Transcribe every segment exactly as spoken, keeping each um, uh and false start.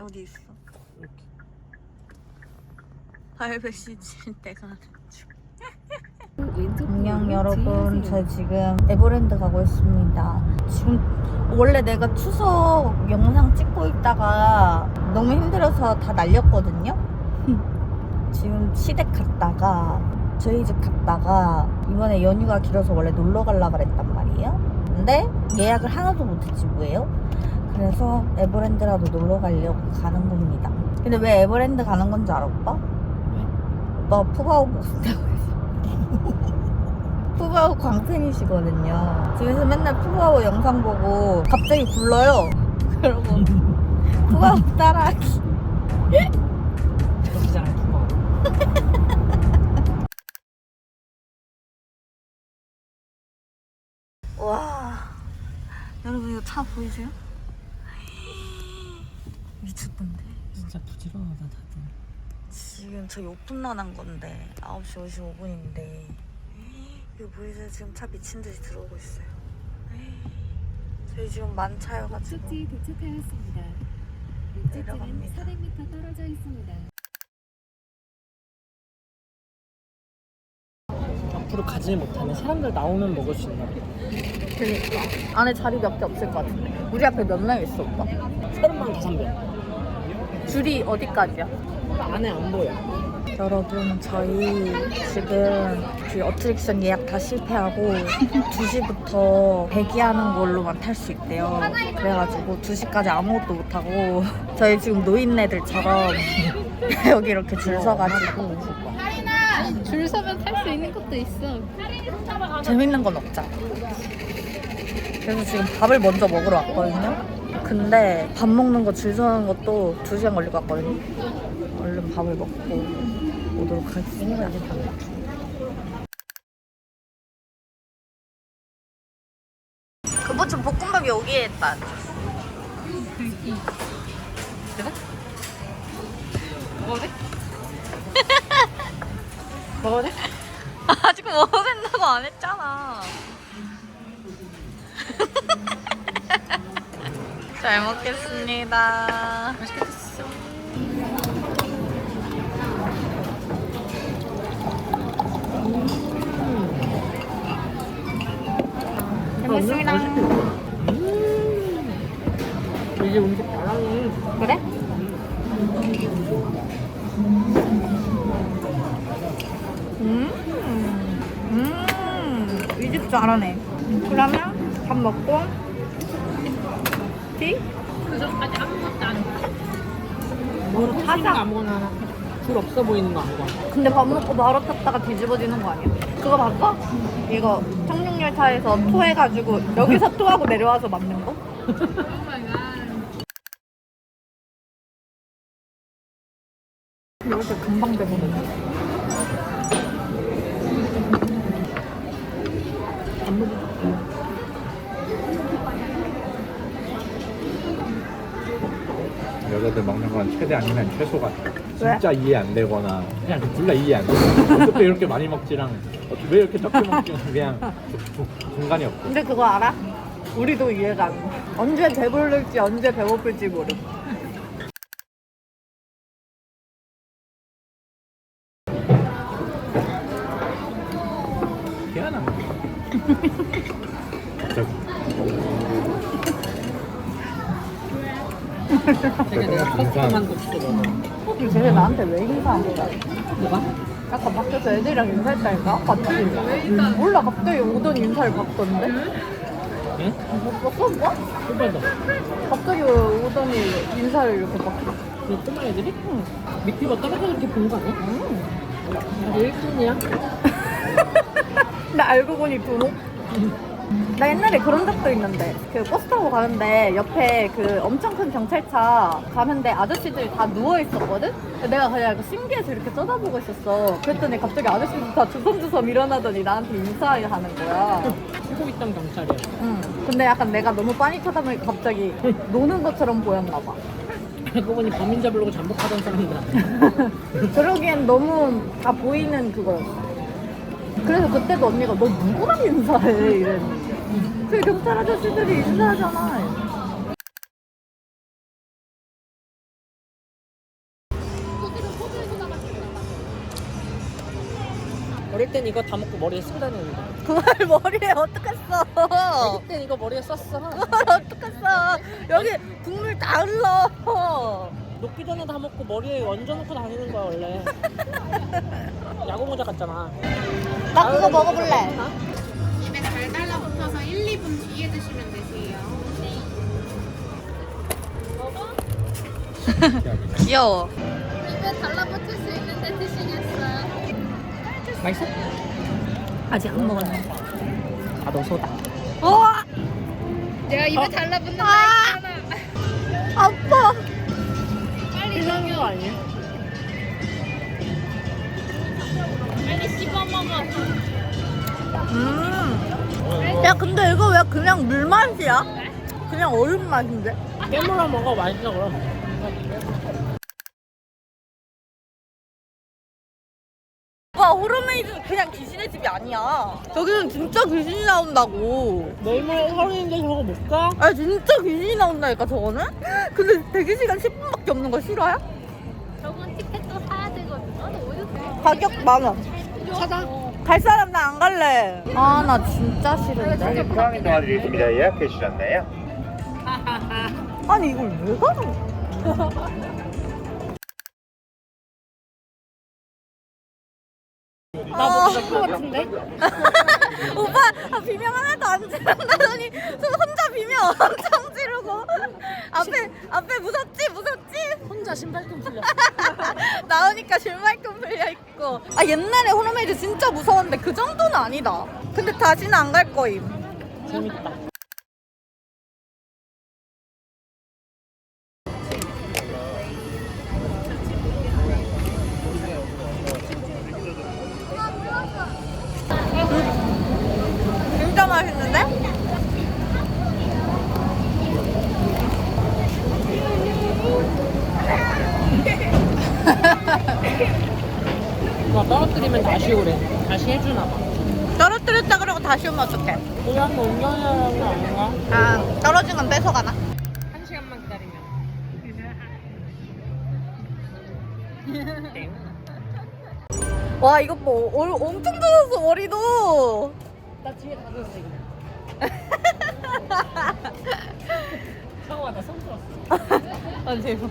어디 있어? 이렇게. 발베시질 때가 안녕 여러분, 저 지금 에버랜드 가고 있습니다. 지금 원래 내가 추석 영상 찍고 있다가 너무 힘들어서 다 날렸거든요. 지금 시댁 갔다가 저희 집 갔다가 이번에 연휴가 길어서 원래 놀러 가려고 그랬단 말이에요. 근데 예약을 하나도 못했지 뭐예요. 그래서 에버랜드라도 놀러 가려고 가는 겁니다. 근데 왜 에버랜드 가는 건지 알아 오빠? 왜? 오빠가 푸바오 보고 싶다고 해서. 푸바오 광팬이시거든요. 집에서 맨날 푸바오 영상 보고 갑자기 불러요. 그러고 푸바오 따라하기. 저기잖아요, 푸바오. 와, 여러분 이거 차 보이세요? 미쳤던데. 진짜 부지런하다 다들. 지금 저희 오픈런 한 건데 아홉 시 오십오 분인데 이거 보이세요? 지금 차 미친듯이 들어오고 있어요. 저희 지금 만차여가지고 목적지에 도착하였습니다. 목적지는 내려갑니다. 사백 미터 떨어져 있습니다. 앞으로 가지 못하면 사람들 나오면 먹을 수 있나 봐. 그러니까 안에 자리 몇 개 없을 것 같은데. 우리 앞에 몇 명 있어 오빠? 서른만 다섯 명. 줄이 어디까지야? 안에 안 보여. 여러분 저희 지금 그 어트랙션 예약 다 실패하고 두 시부터 대기하는 걸로만 탈 수 있대요. 그래가지고 두 시까지 아무것도 못하고 저희 지금 노인네들처럼 여기 이렇게 줄 서가지고 줄 서면 탈 수 있는 것도 있어. 재밌는 건 없잖아. 그래서 지금 밥을 먼저 먹으러 왔거든요. 근데 밥 먹는 거 줄 서는 것도 두 시간 걸릴 것 같거든요. 얼른 밥을 먹고 오도록 하겠습니다. 그보충 볶음밥 여기에 있다. 그래? 먹어도 돼? 먹어도 돼? 아직 먹어도 된다고 안 했잖아. 잘 먹겠습니다. 맛있겠어. 잘 먹습니다. 음. 이제 음식 잘하네. 그래? 음, 음, 이 집 잘하네. 그러면 밥 먹고 티? 그전까지 아무것도 안 해. 뭐로 타자. 타자 아무거나 하나. 줄 없어 보이는 거 아무거나. 근데 밥 먹고 바로 탔다가 뒤집어지는 거 아니야? 그거 봤어? 이거 청룡열차에서 토해가지고 여기서 토하고 내려와서 맞는 거? 이렇게 금방 되거든. 안 먹어. 여자들 먹는 건 최대 아니면 최소 같아. 왜? 진짜 이해 안 되거나 그냥 둘 다 이해 안 돼. 어떻게 이렇게 많이 먹지랑 어떻게 왜 이렇게 적게 먹지랑 그냥 중- 중간이 없고. 근데 그거 알아? 우리도 이해가 안 돼. 언제 배부를지 언제 배고플지 모르. 희한한 거. 저 제가 내가 커스텀한 거 진짜 먹어. 쟤네 나한테 왜 인사한 거야? 뭐가? 아까 밖에서 애들이랑 인사했다니까? 봤지? 몰라, 갑자기 오던 인사를 받던데? 응? 못 봤어, 오빠? 꿀빨다. 갑자기 오더니 인사를 이렇게 받고. 그 꼬마 애들이? 응. 밑에가 떨어져 이렇게 본 거 아니야? 응. 나 일 분이야. 나 알고 보니 두목? 나 옛날에 그런 적도 있는데 그 버스 타고 가는데 옆에 그 엄청 큰 경찰차 가는데 아저씨들이 다 누워있었거든? 내가 그냥 신기해서 이렇게 쳐다보고 있었어. 그랬더니 갑자기 아저씨들 다 주섬주섬 일어나더니 나한테 인사하는 거야. 쉬고 있던 경찰이야. 응. 근데 약간 내가 너무 빤히 쳐다보니까 갑자기 노는 것처럼 보였나 봐. 알고 보니 범인 잡으려고 잠복하던 사람들 아니야? 그러기엔 너무 다 보이는 그거였어. 그래서 그때도 언니가 너 누구랑 인사해? 이랬는데 그 경찰 아저씨들이 인사하잖아. 땐 이거 다 먹고 머리에 쓰고 다니는데. 그걸 머리에 어떡했어? 애기 땐 이거 머리에 썼어. 어떡했어? 여기 국물 다 흘러. 녹기 전에 다 먹고 머리에 얹어놓고 다니는 거야 원래. 야구 모자 같잖아. 나 그거 먹어볼래. 입에 잘 달라붙어서 일, 이 분 뒤에 드시면 되세요. 귀여워. 입에 달라붙을 수 있는데 드시겠어요? 맛있어? 아직 안 먹었네. 아, 너 소다. 우와! 내가 입에 달라붙는 거 아! 있잖아. 아파. 빨리 이상한 거 아니야? 빨리 씹어 먹어. 음. 야, 근데 이거 왜 그냥 물 맛이야? 그냥 얼음 맛인데? 깨물어 먹어. 맛있어 그럼. 와, 호르메이드 그냥 귀신의 집이 아니야. 저기는 진짜 귀신이 나온다고. 내일모레 서울인데 저거 못 가? 아, 진짜 귀신이 나온다니까, 저거는? 근데 대기시간 십 분밖에 없는 거 싫어요? 저건 티켓도 사야 되거든요. 너 어디서 사? 가격 만 원. 찾아. 갈 사람 나 안 갈래. 아, 나 진짜 싫은데. 포항에 도와드리겠습니다. 예약해 주셨나요? 아니, 이걸 왜 가는 나못 갈 것 같은데? 오빠, 아, 비명 하나도 안 지른다더니 혼자 비명 엄청 지르고. 앞에, 앞에 무섭지? 무섭지? 혼자 신발끈 풀려. 나오니까 실말끔 풀려있고. 아, 옛날에 호르메이드 진짜 무서웠는데 그 정도는 아니다. 근데 다시는 안 갈 거임. 재밌다. 진짜 맛있는데? 이거 떨어뜨리면 다시 오래. 다시 해주나 봐. 떨어뜨렸다 그러고 다시 오면 어떡해? 우리 한번 운전하는 거 아닌가? 아, 떨어진 건 뺏어가나? 한 시간만 기다리면. 와, 이거 뭐 얼, 엄청 젖었어, 머리도. 나 뒤에 다 줬어 이거. 잠깐만 나손 들었어. 아, 대박.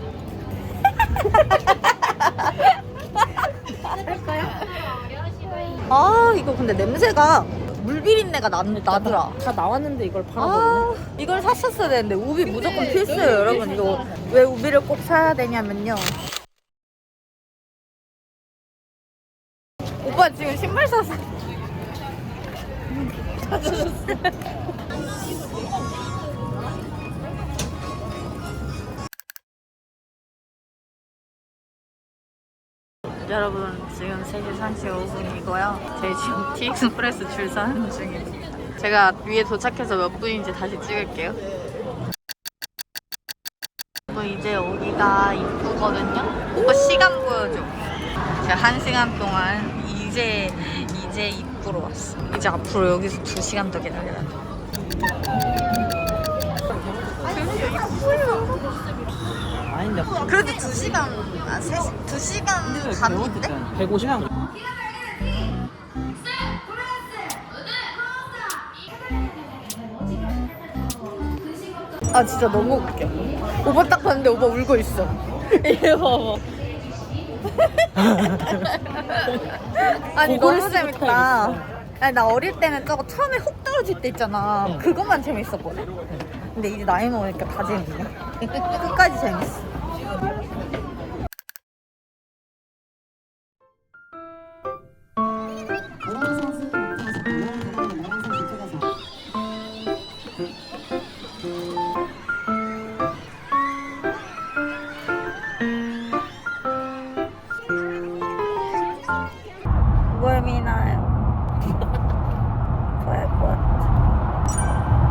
아, 이거 근데 냄새가 물비린내가 나, 나더라. 다 나왔는데 이걸 팔아버리네. 아, 이걸 샀었어야 되는데 우비 무조건 필수예요, 여러분. 이거 왜 우비를 꼭 사야 되냐면요. 오빠 지금 신발 샀어. 여러분, 지금 세 시 삼십오 분이고요. 저희 지금 티익스프레스 줄 서는 중입니다. 제가 위에 도착해서 몇 분인지 다시 찍을게요. 뭐 이제 여기가 입구거든요. 오빠 시간 보여줘. 제가 한 시간 동안 이제 이제 입구로 왔어. 이제 앞으로 여기서 두 시간 더 기다려야 돼. 아닌데. 그래도 두 시간, 아, 세 시, 두 시간 반인데? 백오십 분. 아, 진짜 너무 웃겨. 오빠 딱 봤는데 오빠 울고 있어. 이거 봐봐. 아니, 그거를 너무 쓰고 재밌다. 타야겠어. 아니, 나 어릴 때는 저거 처음에 훅 떨어질 때 있잖아. 응. 그것만 재밌었거든. 근데 이제 나이 먹으니까 다 재밌네. 끝까지 재밌어. 구걸미 나요. 좋아할 것 같아.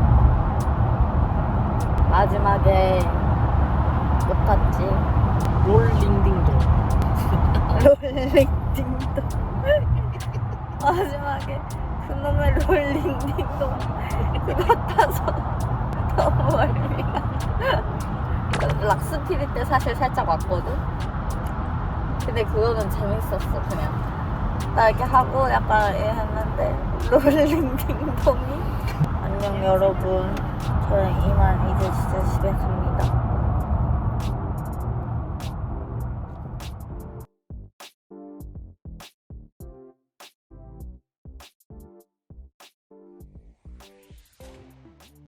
마지막에 못 탔지. 롤링딩동. 롤링딩동. 마지막에 그놈의 롤링딩동 그거 타서 너무 멀미가. 락스피리 때 사실 살짝 왔거든. 근데 그거는 재밌었어. 그냥 나 이렇게 하고 약간 예 했는데 롤링 딩동이. 안녕 여러분. 저는 이만 이제 진짜 집에 갑니다.